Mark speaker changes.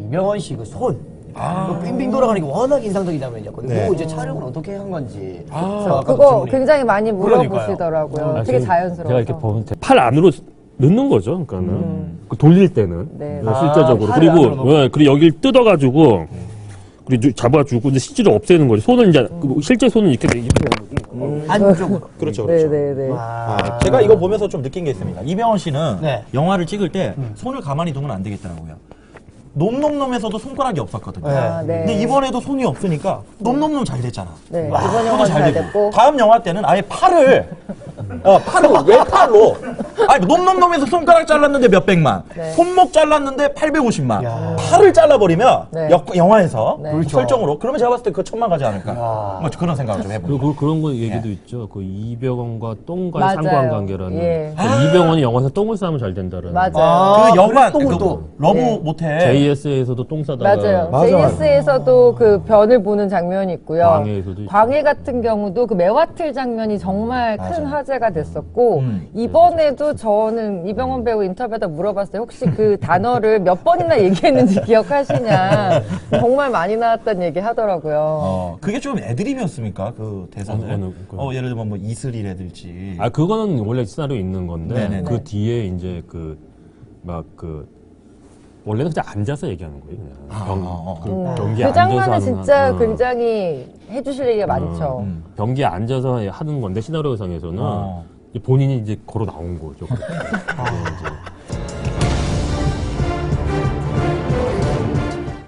Speaker 1: 이병헌 씨 그 손. 그 빙빙 돌아가는 게 워낙 인상적이다면요.
Speaker 2: 네.
Speaker 1: 그거 이제 촬영을 어떻게 한 건지.
Speaker 3: 그거 굉장히 많이 물어보시더라고요. 되게
Speaker 4: 제가
Speaker 3: 자연스러워서.
Speaker 4: 이렇게 보면 팔 안으로 넣는 거죠. 그러니까는 그 돌릴 때는
Speaker 3: 네.
Speaker 4: 실제적으로
Speaker 1: 팔을 안으로 넣고.
Speaker 4: 그리고 여기를 뜯어가지고 그리고 잡아주고 이제 CG를 없애는 거죠. 손은 이제 실제 손은 이렇게
Speaker 1: 안쪽으로.
Speaker 2: 그렇죠, 그렇죠.
Speaker 3: 네네네.
Speaker 2: 제가 이거 보면서 좀 느낀 게 있습니다. 이병헌 씨는
Speaker 1: 네.
Speaker 2: 영화를 찍을 때 손을 가만히 두면 안 되겠더라고요. 놈놈놈에서도 손가락이 없었거든요.
Speaker 3: 아, 네.
Speaker 2: 근데 이번에도 손이 없으니까 놈놈놈 잘 됐잖아.
Speaker 3: 네.
Speaker 2: 와,
Speaker 3: 이번
Speaker 2: 손도
Speaker 3: 영화 잘
Speaker 2: 되고.
Speaker 3: 됐고.
Speaker 2: 다음 영화 때는 아예 팔을 외팔로 아니 놈놈놈에서 손가락 잘랐는데 몇백만,
Speaker 3: 네.
Speaker 2: 손목 잘랐는데 850만, 팔을 잘라버리면
Speaker 3: 네.
Speaker 2: 영화에서
Speaker 3: 네.
Speaker 2: 그 설정으로 그러면 제가 봤을 때 그거 천만 가지 않을까. 뭐 그런 생각을 좀 해봅니다.
Speaker 4: 그리고 그런 거 얘기도 있죠. 그 이병헌과 똥과의
Speaker 3: 맞아요.
Speaker 4: 상관관계라는.
Speaker 3: 예.
Speaker 4: 그러니까 이병헌이 영화에서 똥을 싸면 잘 된다는.
Speaker 3: 맞아요.
Speaker 2: 그 영화
Speaker 1: 똥을
Speaker 2: 그
Speaker 1: 또.
Speaker 2: 러브
Speaker 3: 네.
Speaker 2: 모텔
Speaker 4: JS에서도 똥 싸다가.
Speaker 3: 맞아요.
Speaker 2: 맞아,
Speaker 3: JS에서도 그 변을 보는 장면이 있고요.
Speaker 4: 광해에서도 있죠.
Speaker 3: 광해 같은 경우도 그 매화틀 장면이 정말 큰
Speaker 2: 맞아요.
Speaker 3: 화제가 됐었고, 이번에도 저는 이병헌 배우 인터뷰하다 물어봤어요. 혹시 그 단어를 몇 번이나 얘기했는지 기억하시냐. 정말 많이 나왔다는 얘기 하더라고요.
Speaker 2: 그게 좀 애드립이었습니까? 그 대사는?
Speaker 4: 어느
Speaker 2: 예를 들면 뭐 이슬이라든지.
Speaker 4: 아 그거는 원래 시나리오 있는 건데
Speaker 2: 네네네.
Speaker 4: 그 뒤에 이제 원래는 그냥 앉아서 얘기하는 거예요. 그냥 변기에
Speaker 3: 그 장면은
Speaker 4: 앉아서
Speaker 3: 진짜
Speaker 4: 하는,
Speaker 3: 굉장히 해주실 얘기가 많죠.
Speaker 4: 변기에 앉아서 하는 건데 시나리오상에서는 본인이 이제 걸어 나온 거죠. 그렇게. 이제